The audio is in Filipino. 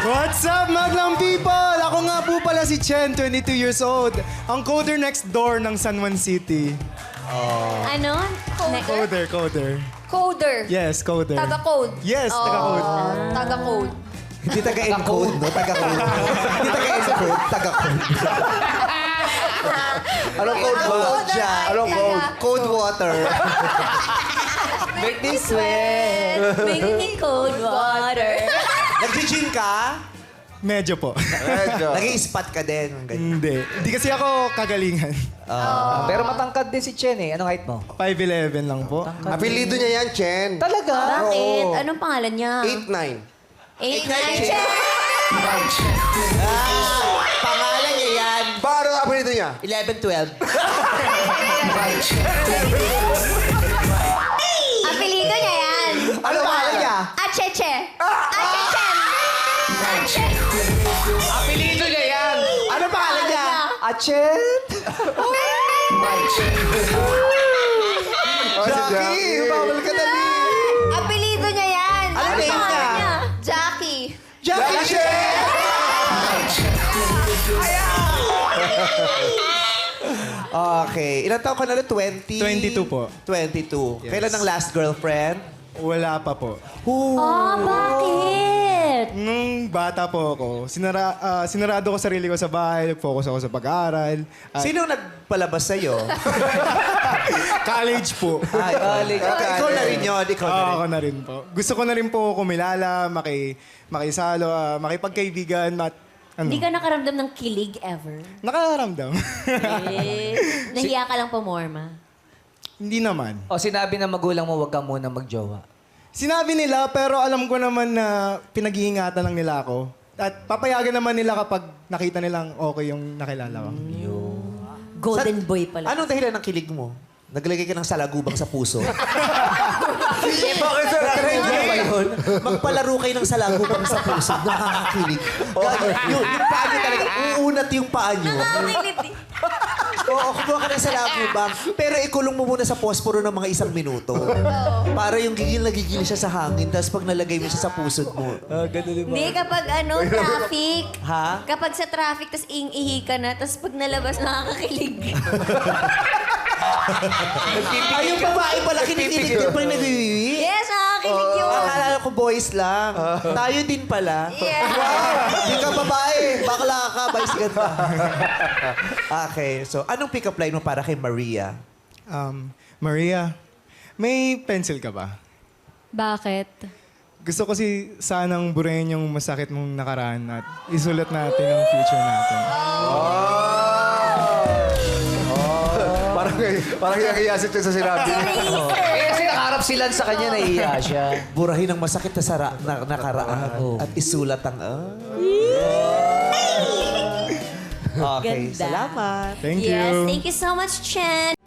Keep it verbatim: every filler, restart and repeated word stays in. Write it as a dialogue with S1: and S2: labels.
S1: What's up, Maglang people? Ako nga po pala si Chen, twenty-two years old. Ang coder next door ng San Juan City.
S2: Ano? Coder?
S1: Coder, coder.
S2: Coder.
S1: Yes, coder.
S2: Taga-code.
S1: Yes, taga-code.
S2: Oh, taga-code.
S3: Hindi taga-encode, no? Taga-code. Hindi taga-encode, taga-code. Anong code mo?
S2: Taga-
S3: Anong code?
S2: taga-
S3: Code water.
S2: Make me sweat. Make me cold water.
S3: Nag-gym ka?
S1: Medyo po.
S3: Nag-i-spot ka din. Ganyan.
S1: Hindi. Hindi kasi ako kagalingan.
S4: Pero matangkad din si Chen eh. Anong height mo?
S1: five eleven lang po.
S5: Apelido niya yan, Chen.
S4: Talaga?
S2: Bakit? Anong pangalan niya?
S5: eight nine.
S2: Eight, nine, ten.
S3: Pangalan niya yan.
S5: Paano ang apelido niya?
S3: eleven twelve.
S2: Apelido niya yan.
S3: Ano pangalan niya?
S2: Acheche. Acheche.
S4: Apelido niya yan!
S3: Ano pangalan niya?
S4: Achen?
S3: Jackie, bawal ka dali.
S2: Apelido niya yan.
S3: Ano
S2: Ano
S3: name
S2: pangalan
S3: niya?
S2: niya? Jackie.
S3: Jackie Chen! Okay. Ilan taon ka na ulit? twenty?
S1: twenty-two po.
S3: twenty-two.
S1: Yes.
S3: Kailan ang last girlfriend?
S1: Wala pa po.
S2: Oh, bakit?
S1: Nung bata po ako, sinara, ah, sinarado ko sarili ko sa bahay, nag-focus ako sa pag-aaral. At
S3: Sino nagpalabas sa'yo?
S1: college po.
S3: Ay,
S4: Galing.
S3: Ah, ikaw na rin yun. Ikaw na
S1: Oo,
S3: rin.
S1: ako na rin po. Gusto ko na rin po kumilala, maki, makisalo, ah, makipagkaibigan, mat, ano,
S2: Hindi ka nakaramdam ng kilig ever?
S1: nakararamdam.
S2: Eh, nahiya ka lang pumorma.
S1: Hindi naman.
S4: O sinabi ng magulang mo, huwag ka muna magjowa.
S1: Sinabi nila, pero alam ko naman na pinag-iingatan lang nila ako. At papayagan naman nila kapag nakita nilang okay yung nakilala ko.
S2: Golden boy pala.
S3: Anong dahilan ng kilig mo? Naglagay ka ng salagubang sa puso? Eh, bakit sir? Try mo ba yun? Magpalaro kayo ng salagubang sa puso. Nakakakilig. Gano, yung, yung paa nyo talaga, uunat yung paa nyo.
S2: Nakakiliti.
S3: Oo, kumuha ka ng salagubang. Pero ikulong mo muna sa posporo ng mga isang minuto. Para yung gigil na gigil siya sa hangin. Tapos pag nalagay mo siya sa pusod mo.
S4: Ah, ganun din
S2: Hindi, kapag ano, traffic.
S3: Ha?
S2: Kapag sa traffic, tas ing-ihi ka na, tas pag nalabas, nakakakilig.
S3: Ay, yung babae pala kinikilig din pala nagwiwiwi.
S2: Yes, nakakakilig yun.
S3: Akala ko boys lang. Tayo din pala.
S2: Yeah.
S3: Hindi ka babae. Bakla ka. Vice ganda. Okay. So, anong pick-up line mo para kay Maria?
S1: Um, Maria, may pencil ka ba?
S2: Bakit?
S1: Gusto ko si sanang burahin yung masakit mong nakaraan at isulat natin ang future natin.
S5: Parang, parang yakiyasit siya sa sinabi.
S4: Eh, kasi nakaharap sila sa kanya, nahiya siya.
S3: Burahin ang masakit na, sara, na nakaraan at isulat ang... Ah. Okay.
S2: Ganda.
S3: Salamat.
S1: Thank
S2: Yes,
S1: you.
S2: thank you so much, Chen.